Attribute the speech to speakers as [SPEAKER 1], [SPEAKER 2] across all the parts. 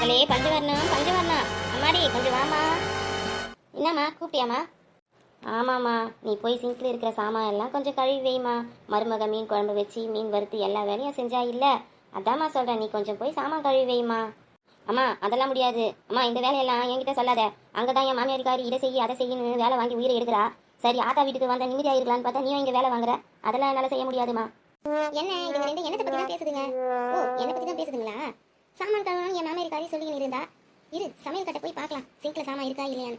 [SPEAKER 1] அலே பஞ்சவர்ணம் பஞ்சவர்ணம் அம்மாடி கொஞ்சம் வாமா. என்னம்மா கூப்பிட்டியாம்மா? ஆமாம்மா, நீ போய் சிங்கில் இருக்கிற சாமான் எல்லாம் கொஞ்சம் கழுவி வைமா. மருமக மீன் குழம்பு வச்சு மீன் வறுத்து எல்லா வேலையும் செஞ்சா இல்லை. அதாம்மா சொல்கிறேன், நீ கொஞ்சம் போய் சாமான் கழுவி வைமா. அம்மா அதெல்லாம் முடியாது. அம்மா இந்த வேலையெல்லாம் என்கிட்ட சொல்லாத. அங்கே தான் என் மாமியாரிக்காரி இதை செய்ய அதை செய்யணும்னு வேலை வாங்கி உயிரை எடுக்கிறா. சரி ஆத்தா வீட்டுக்கு வந்த நிம்மதியாக இருக்கலான்னு பார்த்தா நீயும் இங்கே வேலை வாங்குற. அதெல்லாம் என்னால் செய்ய முடியாதுமா. என்ன இது ரெண்டு என்னத்தை பற்றி தான் பேசுதுங்க? ஓ என்னை பற்றி தான் பேசுதுங்களா? சாமான் கழுவணும் என் மாமியாரிக்காரி சொல்லிக்கின்னு இருந்தா. இரு சமையல் கட்ட போய் பார்க்கலாம் சிங்கில் சாமான் இருக்கா இல்லையான்னு.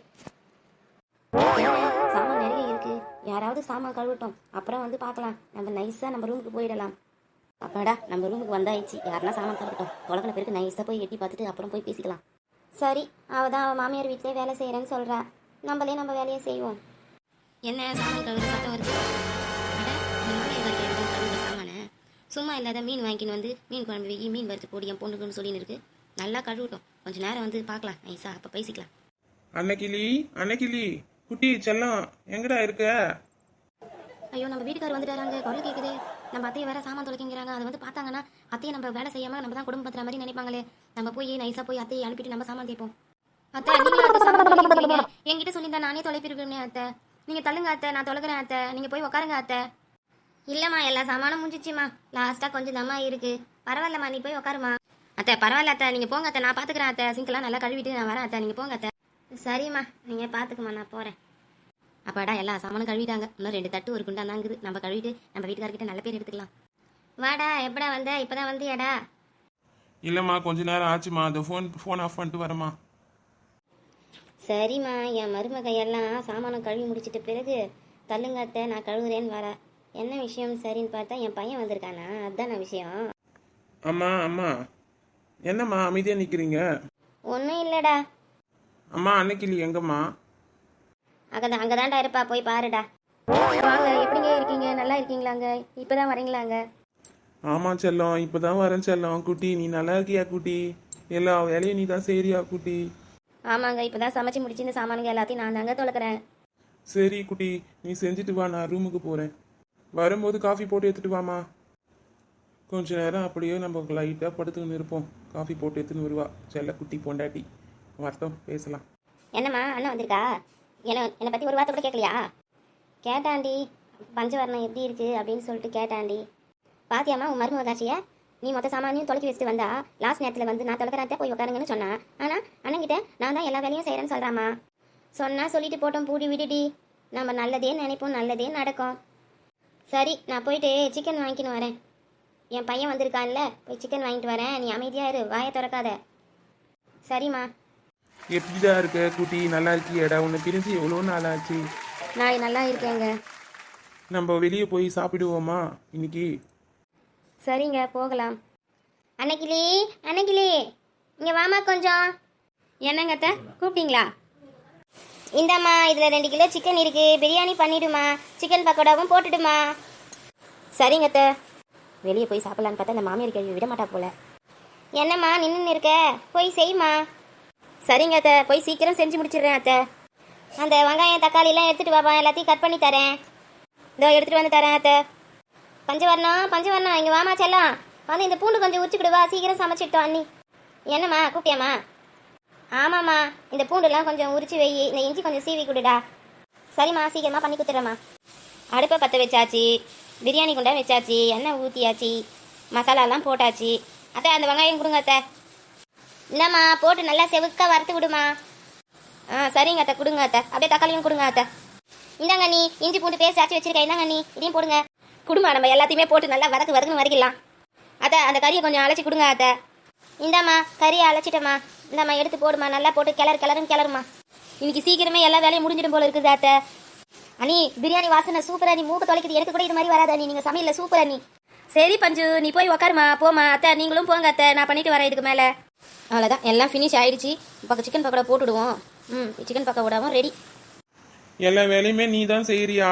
[SPEAKER 1] சாமான் நிறைய இருக்கு, யாராவது சாமான் கழுவட்டும், அப்புறம் வந்து பார்க்கலாம். நம்ம நைஸாக நம்ம ரூமுக்கு போயிடலாம். அப்பாடா நம்ம ரூமுக்கு வந்தாயிடுச்சு. யாருன்னா சாமான் கழுவட்டும், தொலைக்கின பேருக்கு நைஸாக போய் எட்டி பார்த்துட்டு அப்புறம் போய் பேசிக்கலாம். சரி அவள் தான் அவள் மாமியார் வீட்டிலே வேலை செய்கிறேன்னு சொல்கிறா. நம்மளே நம்ம வேலையை செய்வோம். என்ன சாமான் கழுவுற சத்தம் வருது? சாமானை சும்மா இல்லாத மீன் வாங்கின்னு வந்து மீன் குழம்பு வைக்கி மீன் வறுத்து போடி என் பொண்ணுக்குன்னு சொல்லின்னு இருக்கு. நல்லா கழுவட்டும், கொஞ்சம் நேரம் வந்து பார்க்கலாம் நைஸா, அப்போ பேசிக்கலாம்.
[SPEAKER 2] அன்னைக்கிளி அன்னைக்கிளி குட்டி செல்லம் எங்கடா இருக்க?
[SPEAKER 1] ஐயோ நம்ம வீட்டுக்காரர் வந்துட்டாராங்க, குரல் கேட்குது. நம்ம அத்தையை வேற சாமான் தொலைக்கிறாங்க. அது வந்து பார்த்தாங்கன்னா அத்தையை நம்ம வேலை செய்யாமல் நம்ம தான் குடும்பம் பத்துற மாதிரி நினைப்பாங்களே. நம்ம போய் நைஸாக போய் அத்தையை அனுப்பிட்டு நம்ம சாமான் தேய்ப்போம். அத்தை நீங்களும் சாமான் தொலைக்கிறீங்க, என்கிட்ட சொல்லியிருந்தா நானே தொலைப்பிருக்கேன் அத்தை. நீங்கள் தள்ளுங்க அத்தை, நான் தொலைக்கிறேன் அத்தை, நீங்கள் போய் உட்காருங்க அத்தை. இல்லைம்மா எல்லா சாமானும் முடிஞ்சிச்சுமா, லாஸ்ட்டாக கொஞ்சம் தம்மா இருக்கு. பரவாயில்லம்மா நீ போய் உட்காருமா. அத்தை பரவாயில்ல அத்தை, நீங்கள் போங்க அத்தை, நான் பார்த்துக்கிறேன் அத்தை. சிங்கெல்லாம் நல்லா கழுவிட்டு நான் வரேன் அத்தை, நீங்கள் போங்க அத்தை. சரிம்மா நீங்கள் பார்த்துக்குமா, நான் போகிறேன். அப்பாடா எல்லா சாமானும் கழுவிட்டாங்க. இன்னும் 2 தட்டு ஒரு குண்டா தாங்குது. நம்ம கழுவிட்டு நம்ம வீட்டுக்காரர்கிட்ட நல்ல பேர் எடுத்துக்கலாம். வாடா எப்படா வந்த? இப்போதான் வந்தியாடா?
[SPEAKER 2] இல்லைம்மா கொஞ்ச நேரம் ஆச்சுமா, அந்த ஃபோன் ஆஃப் பண்ணிட்டு வரமா.
[SPEAKER 1] சரிம்மா என் மருமக எல்லாம் சாமானம் கழுவி முடிச்சிட்ட பிறகு தள்ளுங்க அத்தை நான் கழுவுறேன்னு வர. என்ன விஷயம் சரின்னு பார்த்தா என் பையன் வந்திருக்கானா, அதுதான விஷயம்.
[SPEAKER 2] அம்மா அம்மா என்னம்மா அமைதியாக நிற்கிறீங்க?
[SPEAKER 1] ஒன்றும் இல்லைடா.
[SPEAKER 2] அம்மா அன்னைக்கிளி எங்கம்மா?
[SPEAKER 1] அங்கே தான்டா இருப்பா, போய் பாருடா. வாங்க எப்படிங்க இருக்கீங்க, நல்லா இருக்கீங்களாங்க? இப்போ தான் வரீங்களாங்க?
[SPEAKER 2] ஆமாம் செல்லம் இப்போ தான் வரேன் செல்லம். குட்டி நீ நல்லா இருக்கியா குட்டி? எல்லா வேலையும் நீ தான் செய்றியா குட்டி?
[SPEAKER 1] ஆமாங்க இப்போ தான் சமைச்சு முடிச்சு இந்த சாமானுங்க எல்லாத்தையும் நான் தாங்க தொலைக்கிறேன்.
[SPEAKER 2] சரி குட்டி நீ செஞ்சுட்டு வா, நான் ரூமுக்கு போகிறேன். வரும்போது காஃபி போட்டு எடுத்துட்டு வாமா. கொஞ்ச நேரம் அப்படியே நம்ம லைட்டாக படுத்துக்கின்னு இருப்போம். காஃபி போட்டு எடுத்துன்னு வருவா செல்ல குட்டி பொண்டாட்டி. வரட்டும் பேசலாம்.
[SPEAKER 1] என்னம்மா அண்ணன் வந்திருக்கா? என்னை பற்றி ஒரு வார்த்தை கூட கேட்கலையா? கேட்டாண்டி பஞ்சவர்ணம் எப்படி இருக்குது அப்படின்னு சொல்லிட்டு கேட்டாண்டி. பாத்தியாம்மா உன் மருமக காட்சியை? நீ மொத்த சாமானியும் தொலைக்கி வச்சுட்டு வந்தா லாஸ்ட் நேரத்தில் வந்து நான் தொலைக்கிறாத்தே போய் உட்காருங்கன்னு சொன்னா. ஆனால் அண்ணங்கிட்ட நான் தான் எல்லா வேலையும் செய்கிறேன்னு சொல்கிறாம்மா. சொன்னால் சொல்லிட்டு போட்டோம், பூடி விடுடி. நம்ம நல்லதே நினைப்போம், நல்லதே நடக்கும். சரி நான் போயிட்டு சிக்கன் வாங்கிக்கின்னு வரேன். என் பையன் வந்திருக்கான்ல, போய் சிக்கன் வாங்கிட்டு வரேன். நீ அமைதியாக இரு, வாயை திறக்காத. சரிம்மா.
[SPEAKER 2] எப்படிதான் இருக்க குட்டி? நல்லா இருக்கியடா? உன்னை பிரிஞ்சு எவ்வளோ நாள் ஆச்சு?
[SPEAKER 1] நான் நல்லா இருக்கேங்க.
[SPEAKER 2] நம்ம வெளியே போய் சாப்பிடுவோமா இன்னைக்கு?
[SPEAKER 1] சரிங்க போகலாம். அன்னைக்கிளி அன்னைக்கிளி இங்கே வாமா கொஞ்சம். என்னங்க அத்தை கூப்பிட்டீங்களா? இந்தாம்மா இதில் 2 கிலோ சிக்கன் இருக்குது, பிரியாணி பண்ணிவிடுமா, சிக்கன் பக்கோடாவும் போட்டுடுமா. சரிங்க அத்தை. வெளியே போய் சாப்பிட்லான்னு பார்த்தா இந்த மாமியார் கேள்வி விட மாட்டா போல. என்னம்மா நின்று இருக்க, போய் செய்யுமா. சரிங்க அத்தை, போய் சீக்கிரம் செஞ்சு முடிச்சிடுறேன் அத்தை. அந்த வெங்காயம் தக்காளிலாம் எடுத்துகிட்டு வாப்பா, எல்லாத்தையும் கட் பண்ணி தரேன். இதோ எடுத்துகிட்டு வந்து தரேன் அத்தை. பஞ்சவர்ணம் பஞ்சவர்ணம் இங்கே வாமா செல்லம், வந்து இந்த பூண்டு கொஞ்சம் உரிச்சுக்கிடுவா, சீக்கிரம் சமைச்சிட்டோம் அண்ணி. என்னம்மா கூப்பிட்டியாம்மா? ஆமாம்மா இந்த பூண்டுலாம் கொஞ்சம் உரிச்சு வை, இந்த இஞ்சி கொஞ்சம் சீவி கொடுடா. சரிம்மா சீக்கிரமாக பண்ணி கொடுத்துட்றேம்மா. அடுப்பை பற்ற வச்சாச்சு, பிரியாணி குண்டா வச்சாச்சு, எண்ணெய் ஊற்றியாச்சு, மசாலாலாம் போட்டாச்சு. அத்தை அந்த வெங்காயம் கொடுங்க அத்தை. என்னம்மா போட்டு நல்லா செவுக்க வறுத்து விடுமா. சரிங்க அத்தை கொடுங்க அத்தை. அப்படியே தக்காளியும் கொடுங்க அத்தை. இந்தாங்க நீ இஞ்சி பூண்டு பேஸ்ட் ஆச்சு வச்சிருக்கேன், இந்தாங்க நீ இதையும் போடுங்க. குடுமா நம்ம எல்லாத்தையுமே போட்டு நல்லா வதக்குன்னு வதக்கிடலாம். அத்தை அந்த கறியை கொஞ்சம் அழைச்சி கொடுங்க அத்தை. இந்தாம்மா கறியை அழைச்சிட்டம்மா, இந்தாம்மா எடுத்து போடுமா, நல்லா போட்டு கிளறுமா. இன்னைக்கு சீக்கிரமே எல்லா வேலையும் முடிஞ்சிடும் போல இருக்குது அத்தை. அண்ணி பிரியாணி வாசனை சூப்பர் அண்ணி, மூக்கு தொலைக்குது. எனக்கு கூட இது மாதிரி வராது அண்ணி, நீங்கள் சமையலில் சூப்பர் அண்ணி. சரி பஞ்சு நீ போய் உக்காருமா, போமா. அத்தை நீங்களும் போங்க அத்தை, நான் பண்ணிட்டு வரேன் இதுக்கு மேலே. அவ்வளோதான் எல்லாம் ஃபினிஷ் ஆயிடுச்சு. இப்போ சிக்கன் பக்கோடா போட்டுடுவோம். சிக்கன் பக்கோடாவும் ரெடி.
[SPEAKER 2] எல்லா வேலையுமே நீ தான் செய்யறியா?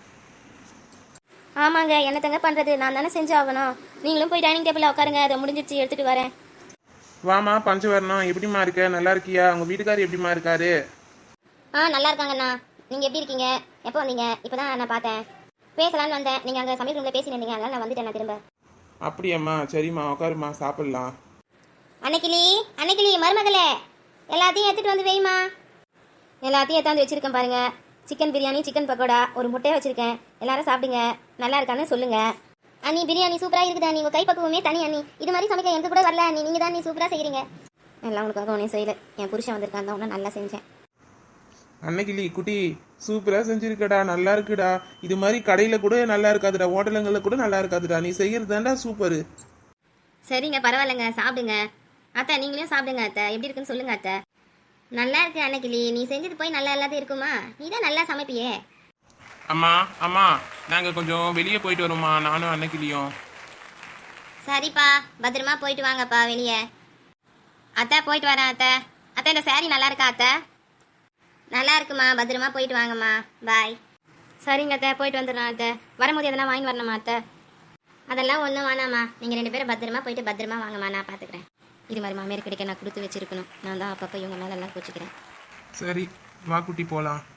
[SPEAKER 1] ஆமாங்க என்னத்தங்க பண்ணுறது, நான் தானே செஞ்சு ஆகணும். நீங்களும் போய் டைனிங் டேபிளில் உட்காருங்க, அதை முடிஞ்சிருச்சு எடுத்துகிட்டு வரேன்.
[SPEAKER 2] வாமா பஞ்சவர்ணம் எப்படிமா இருக்க? நல்லா இருக்கியா? உங்கள் வீட்டுக்காரர் எப்படிமா இருக்காரு?
[SPEAKER 1] நல்லா இருக்காங்கண்ணா. நீங்கள் எப்படி இருக்கீங்க? எப்போ வந்தீங்க? இப்போ தான் நான் பார்த்தேன், பேசலான்னு வந்தேன். நீங்கள் அங்கே சமையல் ரூமில் பேசினீங்க, அதனால் நான் வந்துட்டேன் நான் திரும்ப.
[SPEAKER 2] அப்படியாம்மா? சரிம்மா உட்காருமா சாப்பிட்லாம்.
[SPEAKER 1] அன்னைக்கிளி அன்னைக்கிளி மருமகளே, எல்லாத்தையும் எடுத்துட்டு வந்து வைமா. எல்லாத்தையும் எடுத்தாந்து வச்சிருக்கேன் பாருங்க. சிக்கன் பிரியாணி, சிக்கன் பக்கோடா, ஒரு முட்டையை வச்சிருக்கேன். எல்லாரும் சாப்பிடுங்க, நல்லா இருக்கான்னு சொல்லுங்க. அண்ணி பிரியாணி சூப்பராக இருக்குதா அண்ணி, உங்கள் கைப்பக்குவமே தனி அண்ணி. இது மாதிரி சமைக்க எனக்கு கூட வரல அண்ணி, நீங்கள் தான் நீ சூப்பராக செய்கிறீங்க. எல்லாம் உனக்காக ஒன்றும் செய்யலை, என் புருஷன் வந்திருக்கான் தான் ஒன்றும் நல்லா செஞ்சேன்.
[SPEAKER 2] அன்னைக்கிளி குட்டி சூப்பராக செஞ்சிருக்கடா, நல்லா இருக்குடா. இது மாதிரி கடையில் கூட நல்லா இருக்காதுடா, ஹோட்டலுங்களில் கூட நல்லா இருக்காதுடா. நீ செய்கிறது தான்டா சூப்பரு.
[SPEAKER 1] சரிங்க, பரவாயில்லைங்க, சாப்பிடுங்க. அத்தை நீங்களும் சாப்பிடுங்க அத்தை. எப்படி இருக்குன்னு சொல்லுங்க அத்தை. நல்லா இருக்கு அன்னைக்கிளி, நீ செஞ்சது போய் நல்லா இல்லாத இருக்குமா? நீ தான் நல்லா சமைப்பியே.
[SPEAKER 2] அம்மா அம்மா, நாங்கள் கொஞ்சம் வெளியே போயிட்டு வரோம்மா, நானும் அன்னைக்கிளியும்.
[SPEAKER 1] சரிப்பா, பத்திரமா போயிட்டு வாங்கப்பா வெளியே. அத்தை போயிட்டு வரேன் அத்தை. அத்தை இந்த saree நல்லா இருக்கா அத்தை? நல்லா இருக்குமா, பத்திரமா போயிட்டு வாங்கம்மா, பாய். சரிங்க அத்தை, போயிட்டு வந்துடுறேன் அத்தை. வரும்போது எதனா வாங்கி வரணுமா அத்தை? அதெல்லாம் ஒன்றும் வேணாம்மா, நீங்கள் 2 பேரும் பத்திரமா போயிட்டு பத்திரமா வாங்கம்மா, நான் பார்த்துக்கிறேன். இது மாதிரி மாமியார் கிடைக்க நான் கொடுத்து வச்சிருக்கணும். நான் தான் அப்பப்போ இவங்க மேலெல்லாம் கோச்சிக்கிறேன்.
[SPEAKER 2] சரி வா குட்டி போகலாம்.